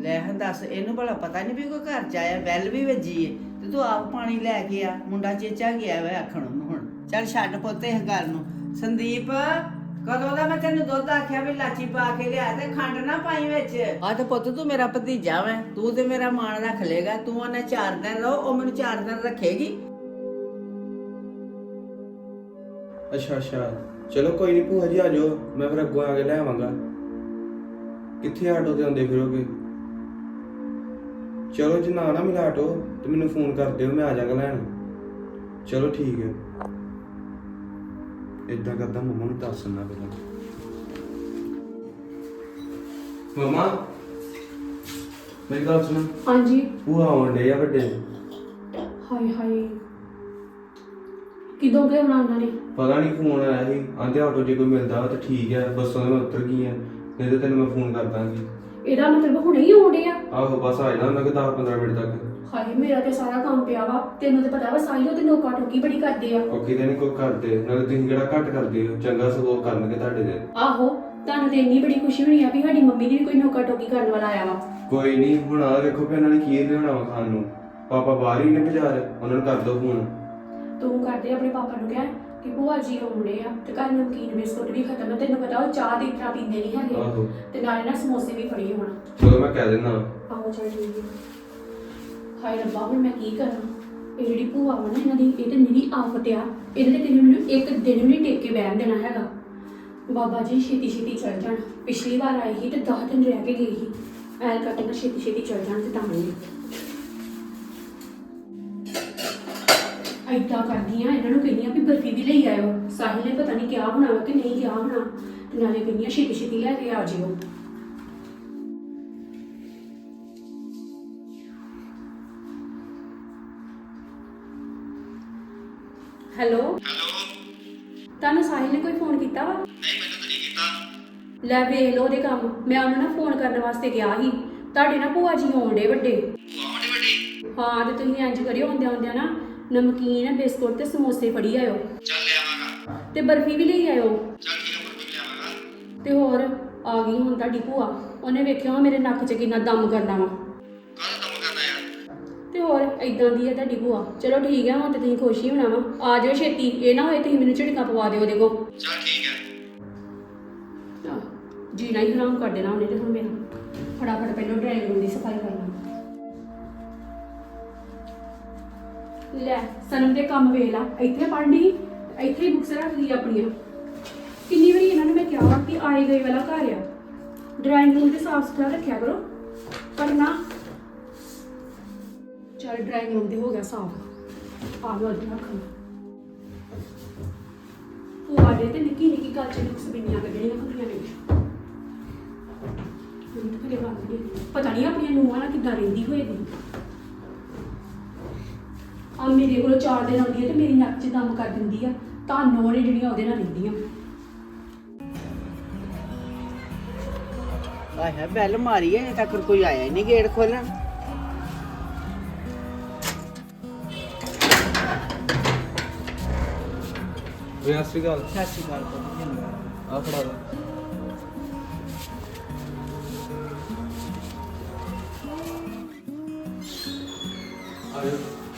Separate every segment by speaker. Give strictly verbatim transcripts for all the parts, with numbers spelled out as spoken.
Speaker 1: ਲੈ ਹਾਂ ਦੱਸ, ਇਹਨੂੰ ਭਲਾ ਪਤਾ ਨਹੀਂ ਵੀ ਕੋਈ ਘਰ ਚ ਆਇਆ, ਬੈਲ ਵੀ ਵੱਜੀ ਏ ਤੇ ਤੂੰ ਆਪ ਪਾਣੀ ਲੈ ਕੇ ਆ। ਮੁੰਡਾ ਚੇਚਾ ਗਿਆ ਵਾ ਆਖਣ ਉਹਨੂੰ। ਹੁਣ ਚੱਲ ਛੱਡ ਪੁੱਤ ਇਸ ਗੱਲ ਨੂੰ। ਸੰਦੀਪ, ਕਦੋਂ ਦਾ ਮੈਂ ਤੈਨੂੰ ਦੁੱਧ ਆਖਿਆ ਵੀ ਲਾਚੀ ਪਾ ਕੇ ਲਿਆ ਤੇ ਖੰਡ ਨਾ ਪਾਈ ਵਿੱਚ। ਆ ਤੇ ਪੁੱਤ ਤੂੰ ਮੇਰਾ ਭਤੀਜਾ ਵੈਂ, ਤੂੰ ਤੇ ਮੇਰਾ ਮਾਣ ਰੱਖ ਲੇਗਾ। ਤੂੰ ਉਹਨੇ ਚਾਰ ਦਿਨ ਰਹੋ, ਉਹ ਮੈਨੂੰ ਚਾਰ ਦਿਨ ਰੱਖੇਗੀ।
Speaker 2: ਅੱਛਾ ਅੱਛਾ, ਚਲੋ ਕੋਈ ਨਹੀਂ ਭੂਆ ਜੀ, ਆ ਜਾਓ, ਮੈਂ ਫਿਰ ਅੱਗੋਂ ਆ ਕੇ ਲੈ ਆਵਾਂਗਾ। ਕਿੱਥੇ ਆਟੋ ਤੇ ਆਉਂਦੇ ਫਿਰੋਗੇ? ਚਲੋ ਜੇ ਨਾ ਨਾ ਮਿਲਾ ਆਟੋ ਤੇ ਮੈਨੂੰ ਫੋਨ ਕਰ ਦਿਓ, ਮੈਂ ਆ ਜਾਵਾਂਗਾ ਲੈਣ। ਚਲੋ ਠੀਕ ਹੈ। ਇਦਾਂ ਕਰਦਾ, ਮੰਮਾ ਨੂੰ ਦੱਸ ਦਿੰਦਾ ਪਹਿਲਾਂ। ਮੰਮਾ ਮੇਰੀ ਗੱਲ ਸੁਣ।
Speaker 3: ਹਾਂਜੀ।
Speaker 2: ਭੂਆ ਆਉਣ ਡੇ ਆ ਵੱਡੇ।
Speaker 3: ਹਾਏ ਹਾਏ, ਕਿਦੋਂ ਗਏ ਉਹਨਾਂ ਉਹਨਾਂ ਨੇ?
Speaker 2: ਪਤਾ ਨਹੀਂ, ਫੋਨ ਆਇਆ ਸੀ, ਆਂਦੇ ਆਟੋ ਜੇ ਕੋਈ ਮਿਲਦਾ ਵਾ ਤਾਂ ਠੀਕ ਹੈ, ਬੱਸਾਂ ਮੈਂ ਉਤਰ ਗਈ ਆ, ਨਹੀਂ ਤਾਂ ਤੈਨੂੰ ਮੈਂ ਫੋਨ ਕਰ ਦਾਂਗੀ।
Speaker 3: ਇਹਦਾ ਮਤਲਬ ਹੁਣੇ ਹੀ ਆਉਂਦੇ ਆ?
Speaker 2: ਆਹੋ ਬਸ ਆ ਜਾਣਾ ਉਹਨਾਂ ਕੋਲ ਦਸ ਪੰਦਰਾਂ ਮਿੰਟ ਤੱਕ।
Speaker 3: ਹਾਏ, ਮੇਰਾ ਤੇ ਸਾਰਾ ਕੰਮ ਪਿਆ ਵਾ, ਤੈਨੂੰ ਤੇ ਪਤਾ ਵਾ ਸਾਈ ਉਹ ਤੇ ਨੋਕਾ ਟੋਕੀ ਬੜੀ ਕਰਦੇ ਆ।
Speaker 2: ਉਹ ਕਿਤੇ ਨਹੀਂ ਕੋਈ ਕਰਦੇ, ਨਾਲੇ ਤੁਸੀਂ ਕਿਹੜਾ ਘੱਟ ਕਰਦੇ ਹੋ, ਚੰਗਾ ਸਗੋਂ ਕਰਨਗੇ ਤੁਹਾਡੇ ਦੇ।
Speaker 3: ਆਹੋ, ਤੁਹਾਨੂੰ ਤੇ ਇੰਨੀ ਬੜੀ ਖੁਸ਼ੀ ਹੋਣੀ ਆ ਵੀ ਸਾਡੀ ਮੰਮੀ ਦੀ ਵੀ ਕੋਈ ਨੋਕਾ ਟੋਕੀ ਕਰਨ ਵਾਲਾ ਆਇਆ ਵਾ।
Speaker 2: ਕੋਈ ਨਹੀਂ, ਹੁਣ ਆ ਵੇਖੋ ਵੀ ਉਹਨਾਂ ਨੇ ਕੀ ਲਿਆਉਣਾ ਵਾ ਖਾਣ ਨੂੰ। ਪਾਪਾ ਬਾਹਰ ਹੀ ਨੇ ਬਾਜ਼ਾਰ, ਉਹਨਾਂ ਨੂੰ ਕਰ ਦੋ ਫੋਨ।
Speaker 3: ਤੂੰ ਕਰਦੇ ਆਪਣੇ ਪਾਪਾ ਨੂੰ ਕਹਿ ਕਿ ਭੂਆ ਜੀ ਆਉਂਦੇ ਆ ਤੇ ਘਰ ਨਮਕੀਨ ਬਿਸਕੁਟ ਵੀ ਖਤਮ ਆ, ਤੈਨੂੰ ਪਤਾ ਉਹ ਚਾਹ ਦੀ ਤਰ੍ਹਾਂ ਪੀਂਦੇ ਨਹੀਂ ਹੈਗੇ।
Speaker 2: ਆਹੋ,
Speaker 3: ਤੇ ਨਾਲੇ ਨਾ ਸਮੋਸੇ ਵੀ ਫੜੀ ਹੋਣ।
Speaker 2: ਚਲੋ ਮੈਂ ਕਹਿ ਦਿੰਦਾ।
Speaker 3: ਆਹੋ ਚੱਲ ਠੀਕ ਹੈ। ਹਾਏ ਰੱਬਾ, ਹੁਣ ਮੈਂ ਕੀ ਕਰਾਂ? ਇਹ ਜਿਹੜੀ ਭੂਆ ਵਾ ਨਾ ਇਹਨਾਂ ਦੀ, ਇਹ ਤੇ ਮੇਰੀ ਆਫਤ ਆ। ਇਹਦੇ ਤੇ ਕਿਤੇ ਮੈਨੂੰ ਇੱਕ ਦਿਨ ਵੀ ਨਹੀਂ ਟੇਕ ਕੇ ਬਹਿਣ ਦੇਣਾ ਹੈਗਾ। ਬਾਬਾ ਜੀ ਛੇਤੀ ਛੇਤੀ ਚੱਲ ਜਾਣ। ਪਿਛਲੀ ਵਾਰ ਆਈ ਸੀ ਤੇ ਦਸ ਦਿਨ ਰਹਿ ਕੇ ਗਈ ਸੀ। ਐਲ ਕਰਕੇ ਨਾ ਛੇਤੀ ਛੇਤੀ ਚੱਲ ਜਾਣ ਤੇ ਤਾਂ ਨਹੀਂ ਏਦਾਂ ਕਰਦੀਆਂ। ਇਹਨਾਂ ਨੂੰ ਕਹਿੰਦੀਆਂ ਵੀ ਬਰਫੀ ਵੀ ਲਈ ਆਇਓ। ਸਾਹਿਲ ਨੇ ਪਤਾ ਨਹੀਂ ਕਿਹਾ ਹੋਣਾ ਵਾ ਕਿ ਨਹੀਂ ਕਿਹਾ ਹੋਣਾ, ਤੇ ਨਾਲੇ ਕਹਿੰਦੀਆਂ ਛੇਤੀ ਛੇਤੀ ਲੈ ਕੇ ਆ ਜਿਓ। Hello
Speaker 4: hello.
Speaker 3: ਤੁਹਾਨੂੰ ਸਾਹਿਲ ਨੇ ਕੋਈ ਫੋਨ ਕੀਤਾ ਵਾ?
Speaker 4: ਨਹੀਂ, ਮੈਨੂੰ ਤਾਂ ਨਹੀਂ ਕੀਤਾ।
Speaker 3: ਲੈ ਵੇਖ ਲਓ ਉਹਦੇ ਕੰਮ। ਮੈਂ ਉਹਨੂੰ ਨਾ ਫੋਨ ਕਰਨ ਵਾਸਤੇ ਗਿਆ ਸੀ। ਤੁਹਾਡੇ ਨਾ ਭੂਆ ਜੀ ਆਉਂਦੇ ਵੱਡੇ।
Speaker 4: ਆਉਂਦੇ ਵੱਡੀ?
Speaker 3: ਹਾਂ, ਤੇ ਤੁਸੀਂ ਇੰਜ ਕਰਿਓ, ਆਉਂਦਿਆਂ ਆਉਂਦਿਆਂ ਨਾ ਨਮਕੀਨ ਬਿਸਕੁਟ ਤੇ ਸਮੋਸੇ ਫੜੀ ਆਇਓ,
Speaker 4: ਚੱਲ ਲਿਆਵਾਂਗਾ।
Speaker 3: ਤੇ ਬਰਫੀ ਵੀ ਲਈ ਆਇਓ।
Speaker 4: ਚੱਲ ਠੀਕ ਹੈ, ਬਰਫੀ ਲਿਆਵਾਂਗਾ।
Speaker 3: ਤੇ ਹੋਰ ਆ ਗਈ ਹੁਣ ਤੁਹਾਡੀ ਭੂਆ। ਉਹਨੇ ਵੇਖਿਆ ਵਾ ਮੇਰੇ ਨੱਕ 'ਚ ਕਿੰਨਾ ਦਮ ਕਰਨਾ ਵਾ।
Speaker 4: ਕਾਹਦਾ ਕੰਮ ਕਰਨਾ ਯਾਰ?
Speaker 3: ਤੇ ਹੋਰ ਏਦਾਂ ਦੀ ਹੈ ਤੁਹਾਡੀ ਭੂਆ। ਚਲੋ ਠੀਕ ਹੈ, ਹੁਣ ਤੇ ਤੁਸੀਂ ਖੁਸ਼ ਹੀ ਹੋਣਾ ਵਾ। ਆ ਜਾਓ ਛੇਤੀ, ਇਹ ਨਾ ਹੋਏ ਤੁਸੀਂ ਮੈਨੂੰ ਝਿੜਕਾਂ ਪਵਾ ਦਿਓ ਉਹਦੇ ਕੋਲ।
Speaker 4: ਚੱਲ ਠੀਕ ਹੈ।
Speaker 3: ਆਹ, ਜੀਣਾ ਹੀ ਹਰਾਮ ਕਰ ਦੇਣਾ ਉਹਨੇ ਤੇ ਹੁਣ ਮੇਰਾ। ਫਟਾਫਟ ਪਹਿਲਾਂ ਡਰਾਇੰਗ ਰੂਮ ਦੀ ਸਫਾਈ ਕਰ ਲਾਂ। ਲੈ ਸਨਮ ਦੇ ਕੰਮ ਵੇਖ ਲਾ, ਇੱਥੇ ਪੜ੍ਹਨੀ ਇੱਥੇ ਹੀ ਬੁੱਕਸ ਰੱਖਦੀ ਆਪਣੀਆਂ। ਕਿੰਨੀ ਵਾਰੀ ਇਹਨਾਂ ਨੂੰ ਮੈਂ ਕਿਹਾ ਵਾ ਕਿ ਆਏ ਗਏ ਵਾਲਾ ਘਰ ਆ, ਡਰਾਇੰਗ ਰੂਮ ਤੇ ਸਾਫ ਸੁਥਰਾ ਰੱਖਿਆ ਕਰੋ, ਪਰ ਨਾ। ਚਲ ਡਰਾਇੰਗ ਰੂਮ ਤੇ ਹੋ ਗਿਆ ਸਾਫ। ਆ ਲੋ ਅੱਜ ਰੱਖਾਂ ਉਹ ਆਡੇ ਤੇ ਨਿੱਕੀ ਨਿੱਕੀ ਗੱਲ ਚ ਨੁਕਸ ਬਿੰਨੀਆਂ ਕੱਢਣੀਆਂ ਹੁੰਦੀਆਂ ਨੇ। ਮੈਨੂੰ ਤਾਂ ਕਦੇ ਗੱਲ ਨਹੀਂ, ਪਤਾ ਨਹੀਂ ਆਪਣੀਆਂ ਨੂੰਹਾਂ ਨਾਲ ਕਿੱਦਾਂ ਰਹਿੰਦੀ ਹੋਏਗੀ। ਆ ਮੇਰੇ ਕੋਲ ਚਾਰ ਦਿਨ ਆਉਂਦੀ ਹੈ ਤੇ ਮੇਰੀ ਨੱਕ 'ਚ ਦਮ ਕਰ ਦਿੰਦੀ ਆ। ਤੁਹਾਨੂੰ ਨੇ ਜਿਹੜੀਆਂ ਉਹਦੇ ਨਾਲ ਰਹਿੰਦੀਆਂ।
Speaker 1: ਆਏ ਹੈ, ਬੈਲ ਮਾਰੀ ਹੈ, ਅਜੇ ਤੱਕ ਕੋਈ ਆਇਆ ਹੀ ਨਹੀਂ ਗੇਟ ਖੋਲਣ।
Speaker 2: ਸਤਿ ਸ਼੍ਰੀ ਅਕਾਲ।
Speaker 1: ਸਤਿ ਸ਼੍ਰੀ ਅਕਾਲ ਪੁੱਤ।
Speaker 2: ਆ ਫੜਾ ਲਓ। ਆਜੋ।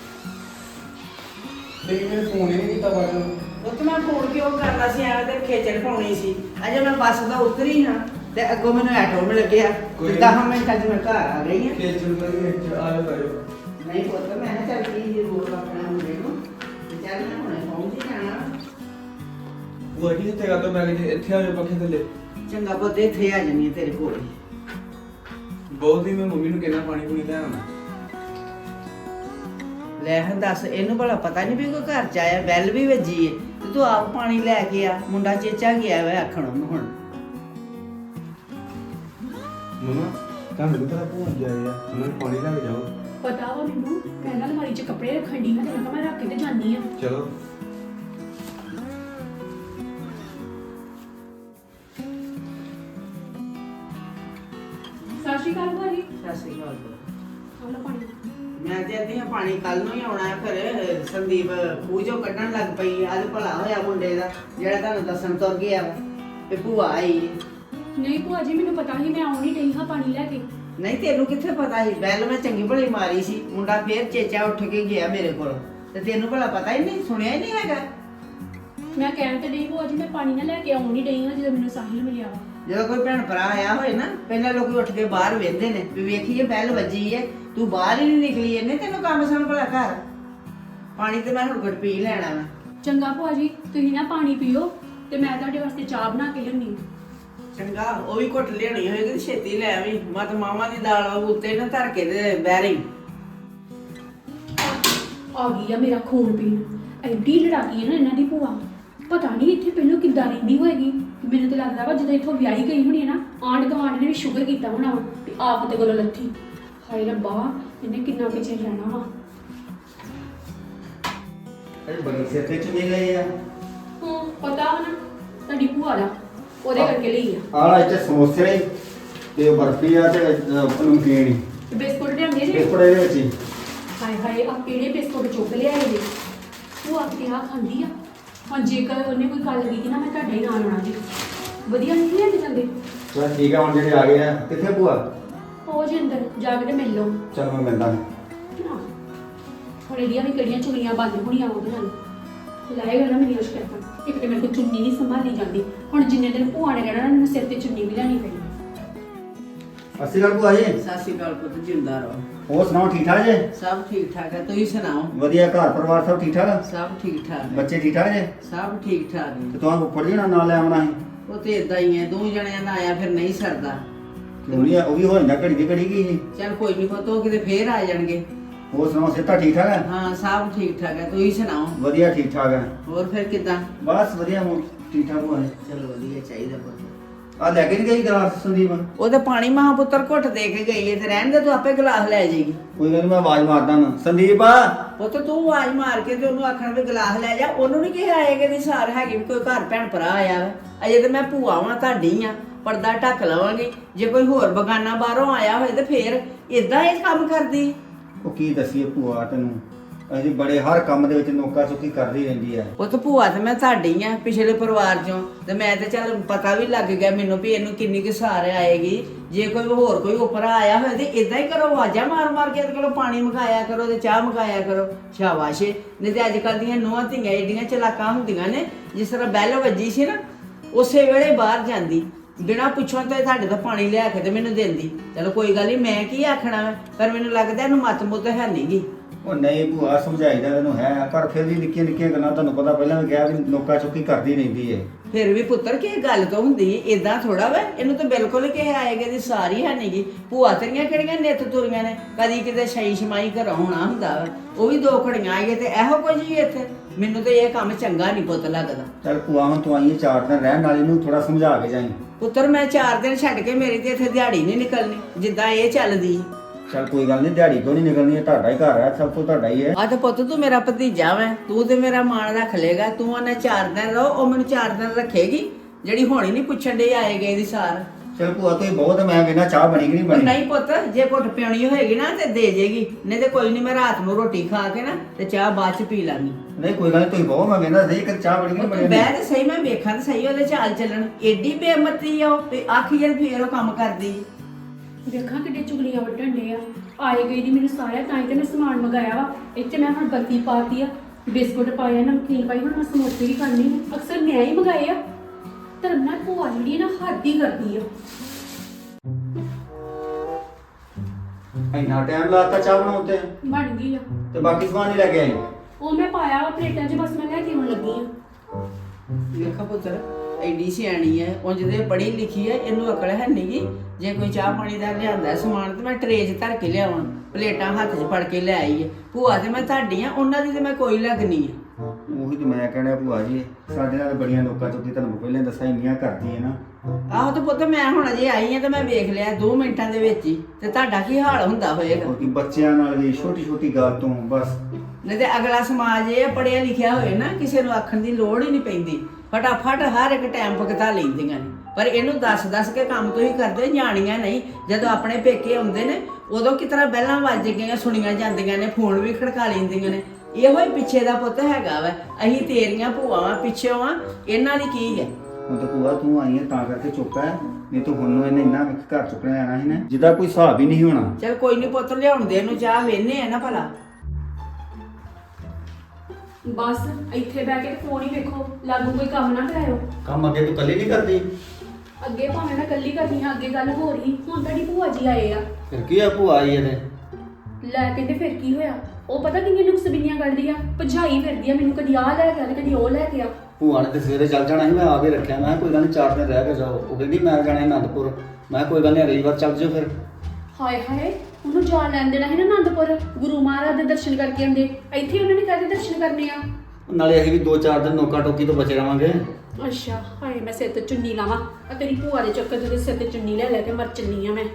Speaker 2: ਨਹੀਂ, ਮੈਂ ਫੋਨ ਹੀ ਨਹੀਂ ਕੀਤਾ ਬਾਅਦ ਵਿੱਚ।
Speaker 1: ਉੱਥੇ ਮੈਂ ਫੋਨ ਕਿਉਂ ਕਰਨਾ ਸੀ? ਐਵੇਂ ਤੇ ਖੇਚਲ ਪਾਉਣੀ ਸੀ। ਅਜੇ ਮੈਂ ਬੱਸ ਦਾ ਉਤਰੀ ਹਾਂ ਤੇ ਅੱਗੋਂ ਮੈਨੂੰ ਆਟੋ ਮਿਲ ਗਿਆ।
Speaker 2: ਕੋਈ
Speaker 1: ਤੇ ਦਸ ਮਿੰਟਾਂ 'ਚ ਮੈਂ ਘਰ ਆ ਗਈ ਹਾਂ।
Speaker 2: ਖੇਚਲ ਵਾਲੀ ਵਿੱਚ ਆ ਜਾਓ, ਆ ਜਾਓ।
Speaker 1: ਨਹੀਂ ਪੁੱਤ, ਮੈਂ ਨਾ ਚੱਲ ਕੀ ਜ਼ਰੂਰ ਆਪਣਾ ਮੁੰਡੇ ਨੂੰ ਤੇ ਚੱਲ ਮੈਂ ਹੁਣੇ ਪਹੁੰਚ ਹੀ ਜਾਣਾ।
Speaker 2: ਉਹ ਅਜੀ ਇੱਥੇ ਗਾ ਤੋਂ ਮੈਂ ਕਿਹਾ ਇੱਥੇ ਆ ਜਾਓ ਪੱਖੇ ਥੱਲੇ।
Speaker 1: ਚੰਗਾ ਪੁੱਤ, ਇੱਥੇ ਆ ਜਾਨੀ ਤੇਰੇ ਕੋਲ ਹੀ।
Speaker 2: ਬਹੁਤ ਹੀ ਮੈਂ ਮੰਮੀ ਨੂੰ ਕਹਿਣਾ ਪਾਣੀ ਪੂਣੀ ਲੈ ਆਉਣਾ।
Speaker 1: ਲੈ ਹਾਂ ਦੱਸ, ਇਹਨੂੰ ਭਲਾ ਪਤਾ ਨਹੀਂ ਵੀ ਕੋਈ ਘਰ ਚ ਆਇਆ, ਬੈਲ ਵੀ ਵੱਜੀ ਏ ਤੇ ਤੂੰ ਆਪ ਪਾਣੀ ਲੈ ਕੇ ਆ। ਮੁੰਡਾ ਚੇਚਾ ਗਿਆ ਵਾ ਆਖਣ ਉਹਨੂੰ। ਹੁਣ
Speaker 2: ਮੰਮਾ ਤੁਹਾਨੂੰ ਵੀ ਪਤਾ ਭੂਆ ਜੀ ਆਏ ਆ, ਉਹਨਾਂ ਨੂੰ ਪਾਣੀ ਲੈ ਕੇ ਜਾਓ।
Speaker 3: ਪਤਾ ਵਾ ਮੈਨੂੰ, ਕਹਿੰਦਾ ਅਲਮਾਰੀ 'ਚ ਕੱਪੜੇ ਰੱਖਣ ਦੀ ਮੈਂ, ਤੇ ਮੈਂ ਕਿਹਾ ਮੈਂ ਰੱਖ ਕੇ ਤੇ ਜਾਂਦੀ ਆ।
Speaker 2: ਚਲੋ।
Speaker 3: ਸਤਿ ਸ਼੍ਰੀ ਅਕਾਲ ਭੂਆ ਜੀ।
Speaker 1: ਸਤਿ ਸ਼੍ਰੀ ਅਕਾਲ ਪੁੱਤ।
Speaker 3: ਆਹ ਲਓ ਪਾਣੀ।
Speaker 1: ਮੈਂ ਤੇ ਆਂਦੀ ਹਾਂ ਪਾਣੀ ਕੱਲ ਨੂੰ ਹੀ ਆਉਣਾ ਹੈ। ਫਿਰ ਸੰਦੀਪ ਖੂਹ ਚੋਂ ਕੱਢਣ ਲੱਗ ਪਈ। ਅੱਜ ਭਲਾ ਹੋਇਆ ਮੁੰਡੇ ਦਾ ਜਿਹੜਾ ਤੁਹਾਨੂੰ ਦੱਸਣ ਤੁਰ ਗਿਆ ਵਾ ਤੇ ਭੂਆ ਆਈ।
Speaker 3: ਨਹੀਂ ਭੂਆ ਜੀ, ਮੈਨੂੰ ਪਤਾ ਸੀ ਮੈਂ ਆਉਣੀ ਡਈ ਹਾਂ ਪਾਣੀ ਲੈ ਕੇ।
Speaker 1: ਨਹੀਂ ਤੈਨੂੰ ਕਿੱਥੇ ਪਤਾ ਸੀ? ਬੈਲ ਮੈਂ ਚੰਗੀ ਭਲੀ ਮਾਰੀ ਸੀ, ਮੁੰਡਾ ਫੇਰ ਚੇਚਾ ਉੱਠ ਕੇ ਗਿਆ ਮੇਰੇ ਕੋਲ, ਤੇ ਤੈਨੂੰ ਭਲਾ ਪਤਾ ਹੀ ਨਹੀਂ, ਸੁਣਿਆ ਹੀ ਨਹੀਂ ਹੈਗਾ।
Speaker 3: ਮੈਂ ਕਹਿਣ ਤੇ ਡਈ ਭੂਆ ਜੀ ਮੈਂ ਪਾਣੀ ਨਾ ਲੈ ਕੇ ਆਉਣ ਨਹੀਂ ਡਈ ਹਾਂ ਜਦੋਂ ਮੈਨੂੰ ਸਾਹਿਲ ਮਿਲਿਆ ਵਾ।
Speaker 1: ਜਦੋਂ ਕੋਈ ਭੈਣ ਭਰਾ ਆਇਆ ਹੋਏ ਨਾ, ਪਹਿਲਾਂ ਲੋਕੀ ਉੱਠ ਕੇ ਬਾਹਰ ਵੇਖਦੇ ਨੇ ਵੀ ਵੇਖੀਏ ਬੈਲ ਵੱਜੀ ਹੈ, ਤੂੰ ਬਾਹਰ ਹੀ ਨਹੀਂ ਨਿਕਲੀ, ਇਹਨੇ ਤੈਨੂੰ ਕੰਮ ਸਾਨੂੰ ਭਲਾ ਘਰ। ਪਾਣੀ ਤੇ ਮੈਂ ਹੁਣ ਘੁੱਟ ਪੀ ਲੈਣਾ ਵਾ।
Speaker 3: ਚੰਗਾ ਭੂਆ ਜੀ ਤੁਸੀਂ ਨਾ ਪਾਣੀ ਪੀਓ ਤੇ ਮੈਂ ਤੁਹਾਡੇ ਵਾਸਤੇ ਚਾਹ ਬਣਾ ਕੇ ਲਿਆਉਣੀ ਆ।
Speaker 1: ਚੰਗਾ, ਉਹ ਵੀ ਘੁੱਟ ਲਿਆਉਣੀ ਹੋਏਗੀ ਤੇ ਛੇਤੀ ਲੈ ਆਵੀਂ, ਮਤ ਮਾਵਾਂ ਦੀ ਦਾਲ ਵਾਂਗੂ ਉੱਤੇ ਨਾ ਧਰ ਕੇ ਤੇ ਬਹਿਰੀ।
Speaker 3: ਆ ਗਈ ਆ ਮੇਰਾ ਖੂਨ ਪੀਣ, ਐਡੀ ਲੜਾਕੀ ਹੈ ਨਾ ਇਹਨਾਂ ਦੀ ਭੂਆ, ਪਤਾ ਨਹੀਂ ਇੱਥੇ ਪਹਿਲਾਂ ਕਿੱਦਾਂ ਰਹਿੰਦੀ ਹੋਏਗੀ। ਮੈਨੂੰ ਤਾਂ ਲੱਗਦਾ ਵਾ ਜਦੋਂ ਇੱਥੋਂ ਵਿਆਹੀ ਗਈ ਹੋਣੀ ਹੈ ਨਾ, ਆਂਢ ਗੁਆਂਢ ਨੇ ਵੀ ਸ਼ੁਕਰ ਕੀਤਾ ਹੋਣਾ ਵਾ ਵੀ ਆਪ ਤੇ ਕੋਲੋਂ ਲੱਥੀ। ਹਾਏ ਰੱਬਾ, ਇਹਨੇ ਕਿੰਨਾ ਪਿੱਛੇ ਰਹਿਣਾ ਵਾ।
Speaker 5: ਇਹ ਬੜੀ ਸਿਰ ਤੇ ਚੁੰਨੀ ਲਈ ਆ।
Speaker 3: ਹਾਂ ਪਤਾ ਵਾ ਨਾ ਤੁਹਾਡੀ ਭੂਆ ਦਾ, ਉਹਦੇ ਕਰਕੇ ਲਈ ਆ।
Speaker 5: ਆਹ ਇੱਥੇ ਸਮੋਸੇ ਨੇ ਤੇ ਬਰਫੀ ਆ ਤੇ ਨਮਕੀਨ ਹੀ
Speaker 3: ਤੇ ਬਿਸਕੁਟ ਲਿਆਂਦੇ ਜੀ।
Speaker 5: ਬਿਸਕੁਟ ਇਹਦੇ ਵਿੱਚ ਹੀ।
Speaker 3: ਹਾਏ ਹਾਏ, ਆ ਕਿਹੜੇ ਬਿਸਕੁਟ ਚੁੱਕ ਲਿਆਏ ਜੀ। ਭੂਆ ਕਿਤੇ ਆ ਖਾਂਦੀ ਆ। ਹਾਂ ਜੇਕਰ ਉਹਨੇ ਕੋਈ ਗੱਲ ਕੀਤੀ ਨਾ, ਮੈਂ ਤੁਹਾਡਾ ਹੀ ਨਾਲ ਆਉਣਾ ਜੀ। ਵਧੀਆ ਨਹੀਂ ਲੈ ਕੇ ਜਾਂਦੇ।
Speaker 5: ਚਲ ਠੀਕ ਆ, ਹੁਣ ਜਿਹੜੇ ਆ ਗਏ ਆ ਕਿੱਥੇ ਭੂਆ?
Speaker 3: ਉਹ ਜੀ ਅੰਦਰ ਜਾ ਕੇ ਤੇ ਮਿਲ ਲਓ।
Speaker 5: ਚਲ ਮੈਂ ਮਿਲਦਾ।
Speaker 3: ਹੁਣ ਇਹਦੀਆਂ ਵੀ ਕਿਹੜੀਆਂ ਚੁਗਲੀਆਂ ਬੰਦ ਹੋਣੀਆਂ ਉਹਦੇ ਨਾਲ। ਲਾਏਗਾ ਨਾ ਮੇਰੀ ਸ਼ਿਕਾਇਤਾਂ। ਇੱਕ ਤੇ ਮੇਰੇ ਕੋਲ ਚੁੰਨੀ ਨਹੀਂ ਸੰਭਾਲੀ ਜਾਂਦੀ, ਹੁਣ ਜਿੰਨੇ ਦਿਨ ਭੂਆ ਨੇ ਰਹਿਣਾ ਮੈਨੂੰ ਸਿਰ ਤੇ ਚੁੰਨੀ ਵੀ ਲੈਣੀ ਪੈਣੀ।
Speaker 5: ਅਸੀਂ ਗੱਲ ਭੂਆ ਜੀ,
Speaker 1: ਸਤਿ ਸ਼੍ਰੀ ਅਕਾਲ ਪੁੱਤ, ਜਿੰਦਾ ਰਹੋ।
Speaker 5: ਹੋਰ ਸੁਣਾਓ ਠੀਕ ਠਾਕ ਜੇ?
Speaker 1: ਸਭ ਠੀਕ ਠਾਕ ਹੈ, ਤੁਸੀਂ ਸੁਣਾਓ?
Speaker 5: ਵਧੀਆ, ਘਰ ਪਰਿਵਾਰ ਸਭ ਠੀਕ ਠਾਕ?
Speaker 1: ਸਭ ਠੀਕ ਠਾਕ ਹੈ।
Speaker 5: ਬੱਚੇ ਠੀਕ ਠਾਕ ਜੇ?
Speaker 1: ਸਭ ਠੀਕ ਠਾਕ
Speaker 5: ਤੇ
Speaker 1: ਹੈ।
Speaker 5: ਤੁਹਾਨੂੰ ਉੱਪਰ ਜੀ ਨਾਲ ਲੈ ਆਉਣਾ ਸੀ।
Speaker 1: ਉਹ ਤੇ ਇਦਾਂ ਹੀ ਹੈ, ਦੋ ਜਣਿਆਂ ਦਾ ਆਇਆ ਫਿਰ ਨਹੀਂ ਸਰਦਾ।
Speaker 5: ਦੁਨੀਆ ਉਹ ਵੀ ਹੋ ਜਾਂਦਾ ਘੜੀ ਦੀ ਘੜੀ ਕੀ।
Speaker 1: ਚੱਲ ਕੋਈ ਨਹੀਂ ਪੁੱਤ, ਉਹ ਕਿਤੇ ਫੇਰ ਆ ਜਾਣਗੇ।
Speaker 5: ਹੋਰ ਸੁਣਾਓ, ਸਿਹਤਾਂ ਠੀਕ ਠਾਕ ਹੈ?
Speaker 1: ਹਾਂ ਸਭ ਠੀਕ ਠਾਕ ਹੈ, ਤੁਸੀਂ ਸੁਣਾਓ?
Speaker 5: ਵਧੀਆ ਠੀਕ ਠਾਕ ਹੈ।
Speaker 1: ਹੋਰ ਫਿਰ ਕਿਦਾਂ?
Speaker 5: ਬਸ ਵਧੀਆ, ਹੁਣ ਠੀਕ ਠਾਕ ਹੋਏ।
Speaker 1: ਚਲੋ ਵਧੀਆ ਚਾਹੀਦਾ ਪੁੱਤ।
Speaker 5: ਆ ਲੈ ਕੇ ਨਹੀਂ ਗਈ ਗਲਾਸ ਸੰਦੀਪ?
Speaker 1: ਉਹ ਤੇ ਪਾਣੀ ਮਹਾ ਪੁੱਤਰ ਘੁੱਟ ਦੇ ਕੇ ਗਈ ਹੈ, ਤੇ ਰਹਿਣ ਦੇ, ਤੂੰ ਆਪੇ ਗਲਾਸ ਲੈ ਜਾਏਗੀ।
Speaker 5: ਕੋਈ ਗੱਲ ਨੀ, ਮੈਂ ਆਵਾਜ਼ ਮਾਰਦਾ ਨਾ। ਸੰਦੀਪ ਆ
Speaker 1: ਪੁੱਤ ਤੂੰ ਆਵਾਜ਼ ਮਾਰ ਕੇ ਤੇ ਉਹਨੂੰ ਆਖਣ ਵੀ ਗਲਾਸ ਲੈ ਜਾ। ਉਹਨੂੰ ਨਹੀਂ ਕਿਹਾ ਆਏਗਾ ਦੀ ਸਾਰ ਹੈਗੀ ਵੀ ਕੋਈ ਘਰ ਭੈਣ ਭਰਾ ਆਇਆ ਵਾ। ਅਜੇ ਤੇ ਮੈਂ ਭੂਆ ਵਾਂ ਤੁਹਾਡੀ ਆ, ਪਰਦਾ ਢੱਕ ਲਵਾਂਗੀ। ਜੇ ਕੋਈ ਹੋਰ ਬਗਾਨਾ ਬਾਹਰੋਂ ਆਇਆ ਹੋਏ ਤੇ ਫੇਰ ਇਦਾਂ ਇਹ ਕੰਮ ਕਰਦੀ।
Speaker 5: ਉਹ ਕੀ ਦੱਸੀਏ ਭੂਆ ਤੈਨੂੰ, ਅਸੀਂ ਬੜੇ ਹਰ ਕੰਮ ਦੇ ਵਿੱਚ ਨੋਕਾ ਚੁੱਕੀ ਕਰਦੀ ਰਹਿੰਦੀ ਹੈ।
Speaker 1: ਉਹ ਤਾਂ ਭੂਆ ਤੇ ਮੈਂ ਤੁਹਾਡੀ ਆ, ਪਿਛਲੇ ਪਰਿਵਾਰ ਚੋਂ, ਤੇ ਮੈਂ ਤੇ ਚੱਲ ਪਤਾ ਵੀ ਲੱਗ ਗਿਆ ਮੈਨੂੰ ਵੀ ਇਹਨੂੰ ਕਿੰਨੀ ਕੁ ਸਹਾਰੇ ਆਏਗੀ। ਜੇ ਕੋਈ ਹੋਰ ਕੋਈ ਉੱਪਰ ਆਇਆ ਹੋਏ ਤੇ ਇਦਾਂ ਹੀ ਕਰੋ, ਆਵਾਜ਼ਾਂ ਮਾਰ ਮਾਰ ਕੇ ਇਹਦੇ ਕੋਲੋਂ ਪਾਣੀ ਮੰਗਾਇਆ ਕਰੋ ਤੇ ਚਾਹ ਮੰਗਾਇਆ ਕਰੋ। ਸ਼ਾਬਾਸ਼। ਨਹੀਂ ਤੇ ਅੱਜ ਕੱਲ੍ਹ ਦੀਆਂ ਨੂੰਹਾਂ ਧੀਆਂ ਏਡੀਆਂ ਚਲਾਕਾਂ ਹੁੰਦੀਆਂ ਨੇ, ਜਿਸ ਤਰ੍ਹਾਂ ਬੈਲ ਵੱਜੀ ਸੀ ਨਾ, ਉਸੇ ਵੇਲੇ ਬਾਹਰ ਜਾਂਦੀ, ਬਿਨਾਂ ਪੁੱਛਣ ਤੋਂ ਤੁਹਾਡੇ ਤੋਂ ਪਾਣੀ ਲਿਆ ਕੇ ਤੇ ਮੈਨੂੰ ਦਿੰਦੀ। ਚਲੋ ਕੋਈ ਗੱਲ ਨਹੀਂ, ਮੈਂ ਕੀ ਆਖਣਾ ਵਾ, ਪਰ ਮੈਨੂੰ ਲੱਗਦਾ ਇਹਨੂੰ ਮੱਤ ਮੁੱਤ ਹੈ ਨੀ ਗੀ।
Speaker 5: ਉਹ ਨਹੀਂ ਭੂਆ, ਸਮਝਾਈਦਾ ਤੈਨੂੰ ਹੈ, ਪਰ ਫਿਰ ਵੀ ਨਿੱਕੀਆਂ ਨਿੱਕੀਆਂ ਗੱਲਾਂ ਤੁਹਾਨੂੰ ਪਤਾ ਪਹਿਲਾਂ ਵੀ ਕਿਹਾ ਵੀ ਨੋਕਾ ਚੁੱਕੀ ਕਰਦੀ ਰਹਿੰਦੀ ਹੈ।
Speaker 1: ਫਿਰ ਵੀ ਪੁੱਤਰ ਕੀ ਗੱਲ ਤੋਂ ਹੁੰਦੀ ਏਦਾਂ ਥੋੜਾ ਵਾ, ਇਹਨੂੰ ਤਾਂ ਬਿਲਕੁਲ ਕਿਸੇ ਆਏਗੇ ਦੀ ਸਾਰੀ ਹੈ ਨੀ ਗੀ। ਭੂਆ ਤੇਰੀਆਂ ਕਿਹੜੀਆਂ ਨਿੱਤ ਤੁਰੀਆਂ ਨੇ, ਕਦੀ ਕਿਤੇ ਸ਼ਈ ਸ਼ਮਾਈ ਘਰੋਂ ਹੋਣਾ ਹੁੰਦਾ ਵਾ, ਉਹ ਵੀ ਦੋ ਘੜੀਆਂ ਆਈਏ ਤੇ ਇਹੋ ਕੁਝ ਹੀ ਇੱਥੇ। ਮੈਨੂੰ ਤੇ ਇਹ ਕੰਮ ਚੰਗਾ ਨਹੀਂ ਪੁੱਤ ਲੱਗਦਾ।
Speaker 5: ਚੱਲ ਭੂਆ, ਹੁਣ ਤੂੰ ਆਈਏ ਚਾਰ ਦਿਨ ਰਹਿਣ, ਨਾਲ ਇਹਨੂੰ ਥੋੜਾ ਸਮਝਾ ਕੇ ਜਾਈਂ।
Speaker 1: ਪੁੱਤਰ ਮੈਂ ਚਾਰ ਦਿਨ ਛੱਡ ਕੇ ਮੇਰੀ ਤੇ ਇੱਥੇ ਦਿਹਾੜੀ ਨਹੀਂ ਨਿਕਲਣੀ ਜਿੱਦਾਂ ਇਹ ਚੱਲਦੀ।
Speaker 5: ਚੱਲ ਕੋਈ ਗੱਲ ਨਹੀਂ, ਦਿਹਾੜੀ ਕਿਉਂ ਨਹੀਂ ਨਿਕਲਣੀ, ਤੁਹਾਡਾ ਹੀ ਘਰ ਹੈ, ਸਭ ਕੁਝ ਤੁਹਾਡਾ ਹੀ ਹੈ।
Speaker 1: ਆ ਤੇ ਪੁੱਤ ਤੂੰ ਮੇਰਾ ਭਤੀਜਾ ਵੈਂ, ਤੂੰ ਤੇ ਮੇਰਾ ਮਾਣ ਰੱਖ ਲੇਗਾ। ਤੂੰ ਉਹਨੇ ਚਾਰ ਦਿਨ ਰਹੋ, ਉਹ ਮੈਨੂੰ ਚਾਰ ਦਿਨ ਰੱਖੇਗੀ, ਜਿਹੜੀ ਹੋਣੀ ਨਹੀਂ ਪੁੱਛਣ ਦੇ ਆਏਗੇ ਇਹਦੀ ਸਾਰ।
Speaker 5: ਚੱਲ ਭੂਆ, ਤੂੰ ਬਹੁਤ, ਮੈਂ ਵੇਖਣਾ ਚਾਹ ਬਣੀ ਕਿ ਨਹੀਂ ਬਣੀ।
Speaker 1: ਨਹੀਂ ਪੁੱਤ, ਜੇ ਘੁੱਟ ਪਿਆਉਣੀ ਹੋਏਗੀ ਨਾ ਤੇ ਦੇ ਜੇਗੀ, ਨਹੀਂ ਤੇ ਕੋਈ ਨਹੀਂ, ਮੈਂ ਰਾਤ ਨੂੰ ਰੋਟੀ ਖਾ ਕੇ ਨਾ ਤੇ ਚਾਹ ਬਾਅਦ ਚ ਪੀ ਲਾਂਗੀ।
Speaker 5: ਨਹੀਂ ਕੋਈ ਗੱਲ ਨਹੀਂ, ਤੁਸੀਂ ਬਹੁਤ, ਮੈਂ ਵੇਖਣਾ ਸਹੀ ਕਿ ਚਾਹ ਬਣੀ ਕਿ ਨਹੀਂ
Speaker 1: ਤੂੰ
Speaker 5: ਬਣੀ।
Speaker 1: ਬਹਿ ਤੇ ਸਹੀ, ਮੈਂ ਵੇਖਾਂ ਤੇ ਸਹੀ ਉਹਦੇ ਚਾਲ ਚੱਲਣ। ਏਡੀ ਬੇਮਤੀ ਆ ਉਹ ਵੀ ਆਖੀ ਜਦ ਫੇਰ ਉਹ ਕੰਮ ਕਰਦੀ।
Speaker 3: ਵੇਖਾਂ ਕਿੱਡੇ ਚੁਗਲੀਆਂ ਵੱਢਣ ਡੇ ਆ। ਆਏ ਗਏ ਦੀ ਮੈਨੂੰ ਸਾਰਿਆ, ਤਾਂ ਹੀ ਤੇ ਮੈਂ ਸਮਾਨ ਮੰਗਾਇਆ ਵਾ। ਇੱਥੇ ਮੈਂ ਹੁਣ ਬੱਤੀ ਪਾਤੀ ਆ, ਬਿਸਕੁਟ ਪਾਇਆ, ਨਮਕੀਨ ਪਾਈ, ਹੁਣ ਮੈਂ ਸਮੋਸੇ ਵੀ ਕਰਨੀ ਆ। ਅਕਸਰ ਮੈਂ ਹੀ ਮੰਗਾਏ ਆ। ਧਰਮ ਨਾਲ ਭੂਆ ਜਿਹੜੀ ਨਾ ਹੱਦ ਹੀ ਕਰਦੀ ਆ।
Speaker 5: ਇੰਨਾ ਟਾਈਮ ਲਾਤਾ ਚਾਹ ਬਣਾਉਣ ਤੇ,
Speaker 3: ਬਣ ਗਈ ਆ।
Speaker 5: ਤੇ ਬਾਕੀ ਸਮਾਨ ਨਹੀਂ ਲੈ ਕੇ ਆਈ?
Speaker 3: ਉਹ ਮੈਂ ਪਾਇਆ ਵਾ ਪਲੇਟਾਂ 'ਚ, ਬਸ ਮੈਂ ਲੈ ਕੇ ਆਉਣ ਲੱਗੀ ਆ।
Speaker 1: ਵੇਖਾ ਪੁੱਤਰ, ਐਡੀ ਸਿਆਣੀ ਐ, ਉਂਝ ਦੇ ਪੜ੍ਹੀ ਲਿਖੀ ਐ, ਇਹਨੂੰ ਅਕਲ ਹੈ ਨੀ ਗੀ। ਜੇ ਕੋਈ ਚਾਹ ਪਾਣੀ ਦਾ ਲਿਆਂਦਾ ਸਮਾਨ ਤੇ ਮੈਂ ਟਰੇ 'ਚ ਧਰ ਕੇ ਲਿਆਵਾਂ, ਪਲੇਟਾਂ ਹੱਥ 'ਚ ਫੜ ਕੇ ਲੈ ਆਈ ਐ। ਭੂਆ ਤੇ ਮੈਂ ਤੁਹਾਡੀ ਆ, ਉਹਨਾਂ ਦੀ ਤੇ ਮੈਂ ਕੋਈ ਲੱਗਣੀ ਆ।
Speaker 5: ਉਹੀ ਤੇ ਮੈਂ ਕਹਿਣਾ ਭੂਆ ਜੀ, ਸਾਡੇ ਨਾਲ ਬੜੀਆਂ ਲੋਕਾਂ ਚੁੱਕੀ, ਤੁਹਾਨੂੰ ਪਹਿਲਾਂ ਦੱਸਿਆ ਇੰਨੀਆਂ ਕਰਦੀ ਹੈ ਨਾ।
Speaker 1: ਆਹੋ ਤੇ ਪੁੱਤ, ਮੈਂ ਹੁਣ ਅਜੇ ਆਈ ਆ ਤੇ ਮੈਂ ਵੇਖ ਲਿਆ ਦੋ ਮਿੰਟਾਂ ਦੇ ਵਿੱਚ ਹੀ, ਤੇ ਤੁਹਾਡਾ ਕੀ ਹਾਲ ਹੁੰਦਾ ਹੋਏਗਾ।
Speaker 5: ਕਿਉਂਕਿ ਬੱਚਿਆਂ ਨਾਲ ਵੀ ਛੋਟੀ ਛੋਟੀ ਗੱਲ ਤੋਂ ਬਸ।
Speaker 1: ਨਹੀਂ ਤੇ ਅਗਲਾ ਸਮਾਜ ਇਹ ਪੜਿਆ ਲਿਖਿਆ ਹੋਏ ਨਾ, ਕਿਸੇ ਨੂੰ ਆਖਣ ਦੀ ਲੋੜ ਹੀ ਨਹੀਂ ਪੈਂਦੀ, ਫਟਾਫਟ ਹਰ ਇੱਕ ਟਾਈਮ ਭੁਗਤਾ ਲੈਂਦੀਆਂ ਨੇ। ਪਰ ਇਹਨੂੰ ਦੱਸ ਦੱਸ ਕੇ ਕੰਮ ਤੁਸੀਂ ਕਰਦੇ, ਜਾਣੀਆਂ ਨਹੀਂ। ਜਦੋਂ ਆਪਣੇ ਪੇਕੇ ਆਉਂਦੇ ਨੇ ਉਦੋਂ ਕਿਤਨਾ ਬੈਲਾਂ ਵੱਜ ਗਈਆਂ ਸੁਣੀਆਂ ਜਾਂਦੀਆਂ ਨੇ, ਫੋਨ ਵੀ ਖੜਕਾ ਲੈਂਦੀਆਂ ਨੇ। ਇਹੋ ਹੀ ਪਿੱਛੇ ਦਾ ਪੁੱਤ ਹੈਗਾ ਵਾ। ਅਸੀਂ ਤੇਰੀਆਂ ਭੂਆਵਾਂ ਪਿੱਛੋਂ ਆ, ਇਹਨਾਂ ਦੀ ਕੀ ਹੈ।
Speaker 5: ਹੁਣ ਤਾਂ ਭੂਆ ਤੂੰ ਆਈ ਹੈ ਤਾਂ ਕਰਕੇ ਚੁੱਪ ਹੈ, ਨਹੀਂ ਤੂੰ ਹੁਣ ਨੂੰ ਇਹਨੇ ਇੰਨਾ ਕੁ ਘਰ ਚੁੱਕਣਾ ਆਣਾ ਸੀ ਨਾ ਜਿਹਦਾ ਕੋਈ ਹਿਸਾਬ ਹੀ ਨਹੀਂ ਹੋਣਾ।
Speaker 1: ਚਲ ਕੋਈ ਨਹੀਂ ਪੁੱਤ, ਲਿਆਉਣ ਦੇ ਇਹਨੂੰ ਚਾਹ, ਵੇਨੇ ਆ ਨਾ ਭਲਾ।
Speaker 3: ਬਸ ਇੱਥੇ ਬਹਿ ਕੇ ਫੋਨ ਹੀ ਵੇਖੋ, ਲਾਗੂ ਕੋਈ ਕੰਮ ਨਾ ਕਰਾਇਓ।
Speaker 5: ਕੰਮ ਅੱਗੇ ਤੂੰ ਕੱਲੀ ਨਹੀਂ ਕਰਦੀ?
Speaker 3: ਅੱਗੇ ਭਾਵੇਂ ਮੈਂ ਕੱਲੀ ਕਰਨੀ ਹਾਂ, ਅੱਗੇ ਗੱਲ ਹੋ ਰਹੀ, ਹੁਣ ਤੁਹਾਡੀ ਭੂਆ ਜੀ ਆਏ ਆ
Speaker 5: ਫਿਰ ਕੀ ਆ ਭੂਆ ਆਈ ਇਹਨੇ?
Speaker 3: ਲੈ ਕੇ ਤੇ ਫਿਰ ਕੀ ਹੋਇਆ, ਉਹ ਪਤਾ ਕਿੰਨੀਆਂ ਨੁਕਸ ਬਿੰਨੀਆਂ ਕੱਢਦੀ ਆ, ਭਜਾਈ ਫਿਰਦੀ ਆ ਮੈਨੂੰ, ਕਦੀ ਆਹ ਲੈ ਕੇ ਆ ਤੇ ਕਦੀ ਉਹ ਲੈ ਕੇ ਆ।
Speaker 5: ਭੂਆ ਨੇ ਤੇ ਸਵੇਰੇ ਚੱਲ ਜਾਣਾ ਸੀ, ਮੈਂ ਆ ਕੇ ਰੱਖਿਆ। ਮੈਂ ਕਿਹਾ ਕੋਈ ਗੱਲ ਨਹੀਂ ਚਾਰ ਦਿਨ ਰਹਿ ਕੇ ਜਾਓ। ਉਹ ਕਹਿੰਦੀ ਮੈਂ ਜਾਣਾ ਸੀ ਅਨੰਦਪੁਰ। ਮੈਂ ਕਿਹਾ ਕੋਈ ਗੱਲ ਨਹੀਂ ਅਗਲੀ ਵਾਰ ਚੱਲ ਜਾਓ ਫਿਰ।
Speaker 3: ਹਾਏ ਹਾਏ, ਉਹਨੂੰ ਜਾ ਲੈਣ ਦੇਣਾ ਸੀ ਨਾ ਅਨੰਦਪੁਰ, ਗੁਰੂ ਮਹਾਰਾਜ ਦੇ ਦਰਸ਼ਨ ਕਰਕੇ ਆਉਂਦੇ। ਇੱਥੇ ਉਹਨਾਂ ਨੇ ਕਾਹਦੇ ਦਰਸ਼ਨ ਕਰਨੇ ਆ?
Speaker 5: ਨਾਲੇ ਅਸੀਂ ਵੀ ਦੋ ਚਾਰ ਦਿਨ ਨੋਕਾ ਟੋਕੀ ਤੋਂ ਬਚੇ ਰਵਾਂਗੇ।
Speaker 3: ਅੱਛਾ, ਹਾਏ ਮੈਂ ਸਿਰ ਤੇ ਚੁੰਨੀ ਲਾਵਾਂ, ਆ ਤੇਰੀ ਭੂਆ ਦੇ ਚੱਕਰ ਚ ਸਿਰ ਤੇ ਚੁੰਨੀ ਲੈ ਲੈ ਕੇ ਮਰ ਚੱਲੀ ਆ ਮੈਂ।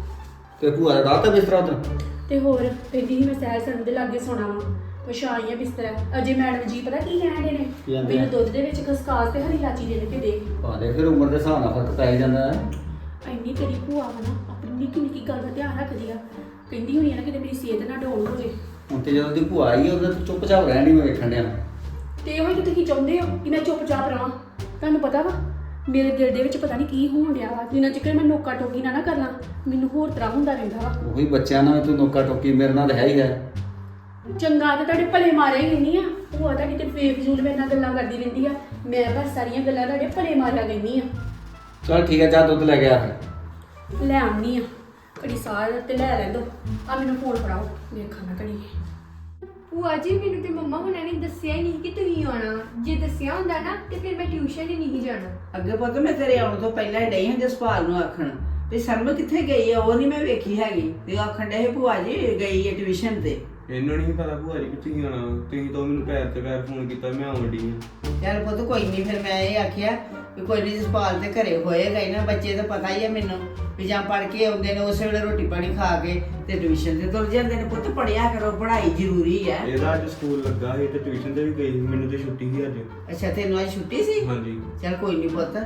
Speaker 5: ਤੇ ਭੂਆ ਦਾ ਰਾਤ ਬਿਸਤਰਾ ਉਧਰ?
Speaker 3: ਤੇ ਹੋਰ ਕਹਿੰਦੀ ਸੀ ਮੈਂ ਸੈਰ ਸਰਨ ਦੇ ਲਾਗੇ ਸੋਣਾ ਵਾ, ਪਛਾਈ ਆ ਬਿਸਤਰਾ। ਅਜੇ ਮੈਡਮ ਜੀ ਪਤਾ ਕੀ ਕਹਿੰਦੇ ਨੇ,
Speaker 5: ਕੀ ਕਹਿੰਦੇ ਆ?
Speaker 3: ਮੈਨੂੰ ਦੁੱਧ ਦੇ ਵਿੱਚ ਖਸਕਾਸ ਤੇ ਹਰੀ ਇਲਾਚੀ ਦੇ ਕੇ ਦੇ।
Speaker 5: ਪਾ ਦੇ, ਫਿਰ ਉਮਰ ਦੇ ਹਿਸਾਬ ਨਾਲ ਫਰਕ ਪੈ ਜਾਂਦਾ ਹੈ।
Speaker 3: ਇੰਨੀ ਤੇਰੀ ਭੂਆ ਵਾ ਨਾ, ਆਪਣੀ ਨਿੱਕੀ ਨਿੱਕੀ ਗੱਲ ਦਾ ਧਿਆਨ ਰੱਖਦੀ ਆ। ਕਹਿੰਦੀ ਹੋਣੀ ਆ ਨਾ ਕਿਤੇ ਮੇਰੀ ਸਿਹਤ ਨਾ ਡਾਊਨ ਹੋ ਜੇ।
Speaker 5: ਹੁਣ ਤੇ ਜਦੋਂ ਦੀ ਭੂਆ ਆਈ ਹੈ ਉਦੋਂ ਤੂੰ ਚੁੱਪਚਾਪ ਰਹਿਣ ਦੀ ਮੈਂ ਵੇਖਣ ਡਿਆ।
Speaker 3: ਤੇ ਇਹੋ ਹੀ ਤਾਂ ਤੁਸੀਂ ਚਾਹੁੰਦੇ ਹੋ ਕਿ ਮੈਂ ਚੁੱਪਚਾਪ ਰਹਾਂ। ਤੁਹਾਨੂੰ ਪਤਾ ਵਾ ਮੇਰੇ ਦਿਲ ਦੇ ਵਿੱਚ ਪਤਾ ਨਹੀਂ ਕੀ ਹੋਣ ਡਿਆ ਵਾ, ਜਿੰਨਾ ਚਿਰ ਮੈਂ ਨੋਕਾ ਟੋਕੀ ਨਾ ਨਾ ਕਰ ਲਾਂ ਮੈਨੂੰ ਹੋਰ ਤਰ੍ਹਾਂ ਹੁੰਦਾ ਰਹਿੰਦਾ ਵਾ।
Speaker 5: ਉਹੀ ਬੱਚਿਆਂ ਨਾਲ ਤੂੰ ਨੋਕਾ ਟੋਕੀ, ਮੇਰੇ ਨਾਲ ਤਾਂ ਹੈ ਹੀ ਹੈ।
Speaker 3: ਚੰਗਾ ਤਾਂ ਤੁਹਾਡੇ ਭਲੇ ਮਾਰੇ ਹੀ ਨਹੀਂ ਆ, ਭੂਆ ਤੁਹਾਡੀ ਤੇ ਬੇਫਜ਼ੂਲ ਮੇਰੇ ਨਾਲ ਗੱਲਾਂ ਕਰਦੀ ਰਹਿੰਦੀ ਆ। ਮੈਂ ਬਸ ਸਾਰੀਆਂ ਗੱਲਾਂ ਤੁਹਾਡੇ ਭਲੇ ਮਾਰਿਆ ਕਹਿੰਦੀ ਆ।
Speaker 5: ਚਲ ਠੀਕ ਹੈ, ਜਾ ਦੁੱਧ ਲੈ ਗਿਆ ਫਿਰ।
Speaker 3: ਲੈ ਆਉਣੀ ਆ, ਘੜੀ ਸਾਰ ਤੇ ਲੈ ਲੈ ਦੋ। ਆ ਮੈਨੂੰ ਫੋਨ ਫੜਾਓ, ਵੇਖਾਂ ਨਾ ਘੜੀ।
Speaker 6: ਭੂਆ ਜੀ ਮੈਨੂੰ ਤੇ ਮੰਮਾ ਹੁਣਾਂ ਨੇ ਦੱਸਿਆ ਹੀ ਨਹੀਂ ਕਿ ਤੁਸੀਂ ਆਉਣਾ ਵਾ। ਜੇ ਦੱਸਿਆ ਹੁੰਦਾ ਨਾ ਤੇ ਫਿਰ ਮੈਂ ਟਿਊਸ਼ਨ ਹੀ ਨਹੀਂ ਜਾਣਾ।
Speaker 1: ਅੱਗੇ ਪੁੱਤ ਮੈਂ ਤੇਰੇ ਆਉਣ ਤੋਂ ਪਹਿਲਾਂ ਹੀ ਡਈ ਹਾਂ ਜਸਪਾਲ ਨੂੰ ਆਖਣ ਵੀ ਸਰਮ ਕਿੱਥੇ ਗਈ ਆ, ਉਹ ਨਹੀਂ ਮੈਂ ਵੇਖੀ ਹੈਗੀ। ਤੇ ਆਖਣ ਡੇ ਭੂਆ ਜੀ ਗਈ ਹੈ ਟਿਊਸ਼ਨ ਤੇ।
Speaker 2: ਇਹਨੂੰ ਨਹੀਂ ਪਤਾ ਭੂਆ ਜੀ ਕਿੱਥੇ ਹੀ ਆਉਣਾ। ਤੁਸੀਂ ਤਾਂ ਮੈਨੂੰ ਪੈਰ ਤੇ ਪੈਰ ਫੋਨ ਕੀਤਾ, ਮੈਂ ਆਉਣ ਡਈ ਆ।
Speaker 1: ਚੱਲ ਪੁੱਤ ਕੋਈ ਨਹੀਂ, ਫਿਰ ਮੈਂ ਇਹ ਆਖਿਆ ਵੀ ਕੋਈ ਨਹੀਂ ਜਸਪਾਲ ਤੇ ਘਰੇ ਹੋਏਗਾ ਹੀ ਨਾ। ਬੱਚੇ ਤਾਂ ਪਤਾ ਹੀ ਹੈ ਮੈਨੂੰ ਵੀ ਜਾਂ ਪੜ੍ਹ ਕੇ ਆਉਂਦੇ ਨੇ ਉਸੇ ਵੇਲੇ ਰੋਟੀ ਪਾਣੀ ਖਾ ਕੇ ਤੇ ਟਿਊਸ਼ਨ ਤੇ ਤੁਰ ਜਾਂਦੇ ਨੇ। ਪੁੱਤ ਪੜ੍ਹਿਆ ਕਰੋ, ਪੜ੍ਹਾਈ ਜ਼ਰੂਰੀ ਹੈ।
Speaker 2: ਇਹਦਾ ਅੱਜ ਸਕੂਲ ਲੱਗਾ ਸੀ ਤੇ ਟਿਊਸ਼ਨ ਤੇ ਵੀ ਗਈ ਸੀ, ਮੈਨੂੰ ਤੇ ਛੁੱਟੀ ਸੀ ਅੱਜ।
Speaker 1: ਅੱਛਾ, ਤੈਨੂੰ ਅੱਜ ਛੁੱਟੀ ਸੀ?
Speaker 2: ਹਾਂਜੀ।
Speaker 1: ਚੱਲ ਕੋਈ ਨਹੀਂ ਪੁੱਤ।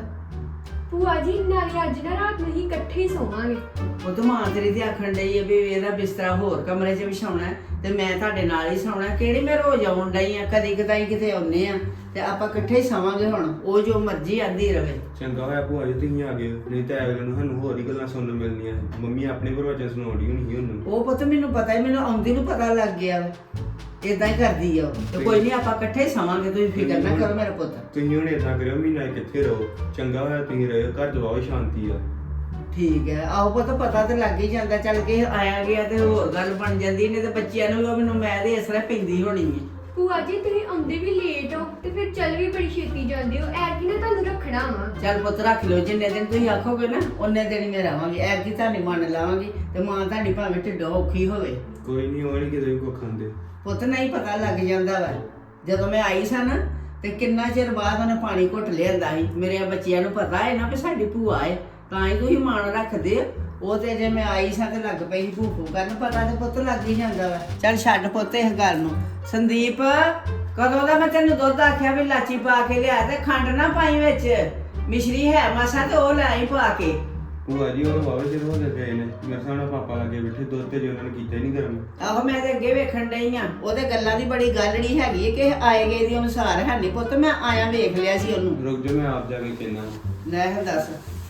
Speaker 6: ਭੂਆ ਜੀ ਨਾਲੇ ਅੱਜ ਨਾ ਰਾਤ ਨੂੰ ਹੀ ਇਕੱਠੇ ਹੀ ਸੋਵਾਂਗੇ।
Speaker 1: ਉਹ ਤਾਂ ਮਾਂ ਤੇਰੀ ਤੇ ਆਖਣ ਡਈ ਹੈ ਵੀ ਇਹਦਾ ਬਿਸਤਰਾ ਹੋਰ ਕਮਰੇ 'ਚ ਵਿਛਾਉਣਾ ਤੇ ਮੈਂ ਤੁਹਾਡੇ ਨਾਲ ਹੀ ਸੌਣਾ। ਕਿਹੜੀ ਮੈਂ ਰੋਜ਼ ਆਉਣ ਡਈ ਆ, ਕਦੀ ਕਦਾਈ ਕਿਤੇ ਆਉਂਦੇ ਆ ਤੇ ਆਪਾਂ ਇਕੱਠੇ ਹੀ ਸੌਵਾਂਗੇ। ਹੁਣ ਉਹ ਜੋ ਮਰਜ਼ੀ ਆਂਦੀ ਰਵੇ।
Speaker 2: ਚੰਗਾ ਹੋਇਆ ਭੂਆ ਜੀ ਤੁਸੀਂ ਆ ਗਏ, ਨਹੀਂ ਤਾਂ ਅਗਲੇ ਨੂੰ ਸਾਨੂੰ ਹੋਰ ਹੀ ਗੱਲਾਂ ਸੁਣਨ ਨੂੰ ਮਿਲਣੀਆਂ। ਮੰਮੀ ਆਪਣੇ ਪ੍ਰਵਚਨ ਸੁਣਾਉਂਦੀ ਹੋਣੀ ਸੀ ਉਹਨੂੰ।
Speaker 1: ਉਹ ਪੁੱਤ ਮੈਨੂੰ ਪਤਾ ਹੀ, ਮੈਨੂੰ ਆਉਂਦੀ ਨੂੰ ਪਤਾ ਲੱਗ ਗਿਆ ਇਦਾਂ ਹੀ ਕਰਦੀ ਆ ਉਹ। ਤੇ ਕੋਈ ਨਹੀਂ ਆਪਾਂ ਇਕੱਠੇ ਹੀ ਸੌਵਾਂਗੇ, ਤੁਸੀਂ ਫਿਕਰ ਨਾ ਕਰੋ ਮੇਰਾ ਪੁੱਤ।
Speaker 2: ਤੁਸੀਂ ਹੁਣ ਏਦਾਂ ਕਰਿਓ, ਮਹੀਨਾ ਕਿੱਥੇ ਰਹੋ। ਚੰਗਾ ਹੋਇਆ ਤੁਸੀਂ ਰਹੇ, ਘਰ ਚ ਬਹੁਤ ਸ਼ਾਂਤੀ ਆ।
Speaker 1: ਠੀਕ ਹੈ, ਆਹੋ ਪੁੱਤ ਪਤਾ ਤੇ ਲੱਗ ਹੀ ਜਾਂਦਾ। ਚੱਲ ਕੇ ਆਇਆ ਗਿਆ ਤੇ ਹੋਰ ਗੱਲ ਬਣ ਜਾਂਦੀ ਨੇ ਤੇ ਬੱਚਿਆਂ ਨੂੰ ਵੀ ਮੈਨੂੰ ਮੈਂ ਦੇ ਅਸਰ ਪੈਂਦੀ ਹੋਣੀ ਹੈ।
Speaker 6: ਭੂਆ ਜੀ ਤੁਸੀਂ ਆਉਂਦੇ ਵੀ ਲੇਟ ਹੋ ਤੇ ਫਿਰ ਚੱਲ ਵੀ ਬੜੀ ਛੇਤੀ ਜਾਂਦੇ ਹੋ। ਐਤਕੀ ਨਾ ਤੁਹਾਨੂੰ ਰੱਖਣਾ ਵਾ।
Speaker 1: ਚੱਲ ਪੁੱਤ ਰੱਖ ਲਓ, ਜਿੰਨੇ ਦਿਨ ਤੁਸੀਂ ਆਖੋਗੇ ਨਾ ਉਹਨੇ ਦਿਨ ਹੀ ਮੈਂ ਰਹਾਂਗੀ। ਐਤਕੀ ਤੁਹਾਡੀ ਮੰਨ ਲਾਵਾਂਗੀ ਤੇ ਮਾਂ ਤੁਹਾਡੀ ਭਾਵੇਂ ਢਿੱਡੋਂ ਔਖੀ ਹੋਵੇ।
Speaker 2: ਕੋਈ ਨਹੀਂ, ਉਹ ਨਹੀਂ ਕਿਤੇ ਵੀ ਕੁੱਖ ਖਾਂਦੇ।
Speaker 1: ਪੁੱਤ ਨਹੀਂ ਪਤਾ ਲੱਗ ਜਾਂਦਾ ਵਾ। ਜਦੋਂ ਮੈਂ ਆਈ ਸਾਂ ਨਾ ਤੇ ਕਿੰਨਾ ਚਿਰ ਬਾਅਦ ਉਹਨੇ ਪਾਣੀ ਘੁੱਟ ਲਿਆਂਦਾ ਸੀ। ਮੇਰੇ ਬੱਚਿਆਂ ਨੂੰ ਪਤਾ ਹੈ ਨਾ ਵੀ ਸਾਡੀ ਭੂਆ ਹੈ, ਤਾਂ ਹੀ ਤੁਸੀਂ ਮਾਣ ਰੱਖਦੇ ਆ। ਉਹ ਤੇ ਜੇ ਮੈਂ ਆਈ ਸਾਂ ਤੇ ਲੱਗ ਪਈ ਸੀ ਭੂਖੂ ਕਰਨ। ਪਤਾ ਤੇ ਪੁੱਤ ਲੱਗ ਹੀ ਜਾਂਦਾ ਵਾ। ਚੱਲ ਛੱਡ ਪੁੱਤ ਇਸ ਗੱਲ ਨੂੰ। ਸੰਦੀਪ, ਕਦੋਂ ਦਾ ਮੈਂ ਤੈਨੂੰ ਦੁੱਧ ਆਖਿਆ ਵੀ ਲਾਚੀ ਪਾ ਕੇ ਲਿਆ ਤੇ ਖੰਡ ਨਾ ਪਾਈ ਵਿੱਚ, ਮਿਸ਼ਰੀ ਹੈ ਮਾਸਾ ਤੇ ਉਹ ਲੈ ਆਈ ਪਾ ਕੇ।
Speaker 2: ਭੂਆ ਜੀ ਉਹ ਬਾਬੇ ਸਿਰ ਹੋ ਗਏ ਨੇ, ਮੇਰੇ ਸਾਹਮਣੇ ਪਾਪਾ ਲੱਗੇ ਬੈਠੇ ਦੁੱਧ ਤੇ, ਜੇ ਉਹਨਾਂ ਨੇ ਕੀਤਾ ਹੀ ਨਹੀਂ ਗਰਮ।
Speaker 1: ਆਹੋ ਮੈਂ ਤੇ ਅੱਗੇ ਵੇਖਣ ਡਈ ਆ। ਉਹਦੇ ਗੱਲਾਂ ਦੀ ਬੜੀ ਗੱਲ ਨਹੀਂ ਹੈਗੀ ਕਿ ਆਏ ਗਏ ਦੀ ਅਨੁਸਾਰ ਹੈ ਨਹੀਂ ਪੁੱਤ। ਮੈਂ ਆਇਆ ਵੇਖ ਲਿਆ ਸੀ ਉਹਨੂੰ।
Speaker 2: ਰੁਕ ਜਾ, ਮੈਂ ਆਪ ਜਾ ਕੇ ਕਹਿਣਾ।
Speaker 1: ਲੈ ਹੁਣ ਦੱਸ।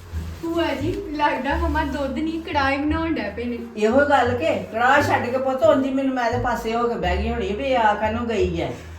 Speaker 6: ਭੂਆ ਜੀ ਲੱਗਦਾ ਮਮਾ ਦੁੱਧ ਨਹੀਂ ਕੜਾਈ ਬਣਾਉਣ ਡੈ ਪਏ ਨੇ।
Speaker 1: ਇਹੋ ਗੱਲ ਕਿ ਕੜਾਹ ਛੱਡ ਕੇ ਪੁੱਤ ਉਂਝ ਹੀ ਮੈਨੂੰ ਮੈਂ ਦੇ ਪਾਸੇ ਹੋ ਕੇ ਬਹਿ ਗਈ ਹੋਣੀ ਵੀ ਆ ਕਾਹਨੂੰ ਗਈ ਐ।